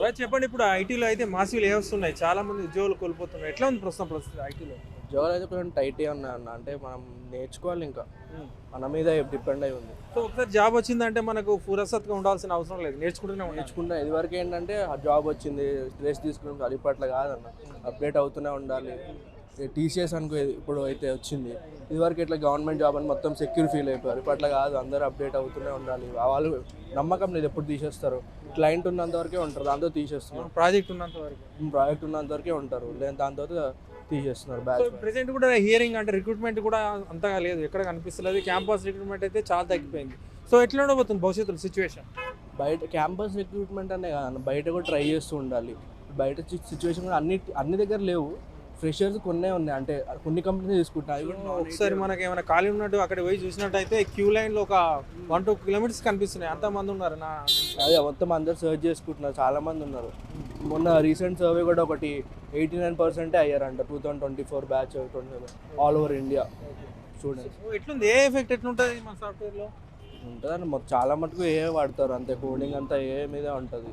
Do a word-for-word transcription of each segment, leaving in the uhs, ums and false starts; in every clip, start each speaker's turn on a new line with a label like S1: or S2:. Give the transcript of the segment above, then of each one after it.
S1: Right చెప్పండి. ఇప్పుడు ఐటీలో అయితే మాసివ్ లేఆఫ్స్ ఉన్నాయి. చాలా మంది ఉద్యోగాలు కోల్పోతున్నారు. ఎట్లా ఉంది ప్రస్తుతం పరిస్థితి ఐటీలో?
S2: ఉద్యోగాలు అయితే కొంచెం టైటే ఉన్నాయి అన్న. అంటే మనం నేర్చుకోవాలి, ఇంకా మన మీద డిపెండ్ అయి ఉంది.
S1: సో ఒకసారి జాబ్ వచ్చిందంటే మనకు ఫురసత్గా ఉండాల్సిన అవసరం లేదు, నేర్చుకుంటూనే ఉండాలి.
S2: నేర్చుకుంటా ఇదివరకు ఏంటంటే ఆ జాబ్ వచ్చింది డ్రెస్ తీసుకుని అది ఇప్పట్లో కాదన్న, అప్డేట్ అవుతూనే ఉండాలి. టీసీఎస్ అనుకో ఇప్పుడు అయితే వచ్చింది, ఇదివరకు ఇట్లా గవర్నమెంట్ జాబ్ అని మొత్తం సెక్యూర్ ఫీల్ అయిపోయారు. ఇప్పట్లో కాదు, అందరూ అప్డేట్ అవుతూనే ఉండాలి. వాళ్ళు నమ్మకం లేదు ఎప్పుడు తీసేస్తారు. క్లయింట్ ఉన్నంత వరకే ఉంటారు, దాంతో తీసేస్తున్నారు.
S1: ప్రాజెక్ట్ ఉన్నంత వరకు
S2: ప్రాజెక్ట్ ఉన్నంత వరకే ఉంటారు, లేదా దాని తర్వాత తీసేస్తున్నారు. బ్యాచ్
S1: ప్రెసెంట్ కూడా హియరింగ్ అంటే రిక్రూట్మెంట్ కూడా అంతగా లేదు, ఎక్కడ కనిపిస్తలేదు. క్యాంపస్ రిక్రూట్మెంట్ అయితే చాలా తగ్గిపోయింది. సో ఎట్లా ఉండబోతుంది భవిష్యత్తులో సిచ్యువేషన్?
S2: బయట క్యాంపస్ రిక్రూట్మెంట్ అనే కాదు, బయట కూడా ట్రై చేస్తూ ఉండాలి. బయట సిచ్యువేషన్ కూడా అన్ని అన్ని దగ్గర లేవు. ఫ్రెషర్స్ కొన్నే ఉన్నాయి, అంటే కొన్ని కంపెనీస్ తీసుకుంటాయి.
S1: ఒకసారి మనకి ఏమైనా ఖాళీ ఉన్నట్టు అక్కడ పోయి చూసినట్టయితే క్యూ లైన్లో ఒక వన్ టూ కిలోమీటర్స్ కనిపిస్తున్నాయి. అంతమంది ఉన్నారు. నా
S2: అదే మొత్తం అందరు సర్చ్ చేసుకుంటున్నారు, చాలా మంది ఉన్నారు. మొన్న రీసెంట్ సర్వే కూడా ఒకటి ఎయిటీ నైన్ పర్సెంటే అయ్యారంట two thousand twenty four batch twenty all over India students.
S1: ఎట్లుంది, ఏ ఎఫెక్ట్ ఎట్లుంటుంది మన సాఫ్ట్వేర్లో?
S2: ఉంటుందండి, మొత్తం చాలా మటుకు ఏ వాడతారు, అంతే కోడింగ్ అంతా ఏ మీదే ఉంటుంది.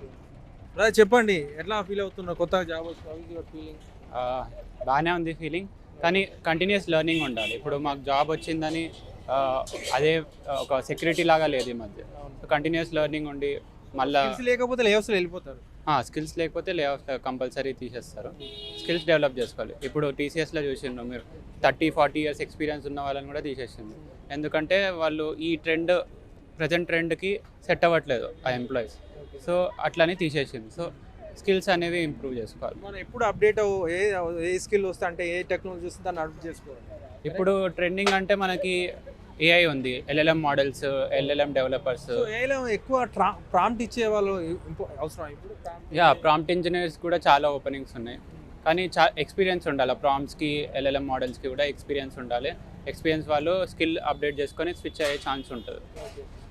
S1: అదే చెప్పండి, ఎట్లా ఫీల్ అవుతున్నారు కొత్తగా జాబ్ వచ్చిన ఫీలింగ్?
S3: బాగానే ఉంది ఫీలింగ్, కానీ కంటిన్యూస్ లెర్నింగ్ ఉండాలి. ఇప్పుడు మాకు జాబ్ వచ్చిందని ఆ, అదే ఒక సెక్యూరిటీ లాగా లేదు ఈ మధ్య. సో కంటిన్యూస్ లెర్నింగ్ ఉండి మళ్ళీ
S1: లేకపోతే లేవస్లో వెళ్ళిపోతారు.
S3: స్కిల్స్ లేకపోతే లే ఆఫ్ కంపల్సరీ తీసేస్తారు. స్కిల్స్ డెవలప్ చేసుకోవాలి. ఇప్పుడు టీసీఎస్లో చూసిండ్రు మీరు, థర్టీ ఫార్టీ ఇయర్స్ ఎక్స్పీరియన్స్ ఉన్న వాళ్ళని కూడా తీసేసింది. ఎందుకంటే వాళ్ళు ఈ ట్రెండ్ ప్రజెంట్ ట్రెండ్కి సెట్ అవ్వట్లేదు ఆ ఎంప్లాయీస్. సో అట్లని తీసేసింది. సో స్కిల్స్ అనేవి ఇంప్రూవ్ చేసుకోవాలి.
S1: మనం ఎప్పుడు అప్డేట్ ఏ ఏ స్కిల్ వస్తే అంటే ఏ టెక్నాలజీ వస్తే దాన్ని అప్డేట్ చేసుకోవాలి.
S3: ఇప్పుడు ట్రెండింగ్ అంటే మనకి ఏఐ ఉంది, ఎల్ఎల్ఎం మోడల్స్, ఎల్ఎల్ఎం డెవలపర్స్.
S1: ఏఐలో ఎక్కువ ప్రాంప్ట్ ఇచ్చే వాళ్ళు అవసరం. ఇప్పుడు
S3: యా ప్రాంప్ట్ ఇంజనీర్స్ కూడా చాలా ఓపెనింగ్స్ ఉన్నాయి, కానీ చా ఎక్స్పీరియన్స్ ఉండాలి. ప్రాంప్ట్స్కి ఎల్ఎల్ఎం మోడల్స్కి కూడా ఎక్స్పీరియన్స్ ఉండాలి. ఎక్స్పీరియన్స్ వాళ్ళు స్కిల్ అప్డేట్ చేసుకొని స్విచ్ అయ్యే ఛాన్స్ ఉంటుంది.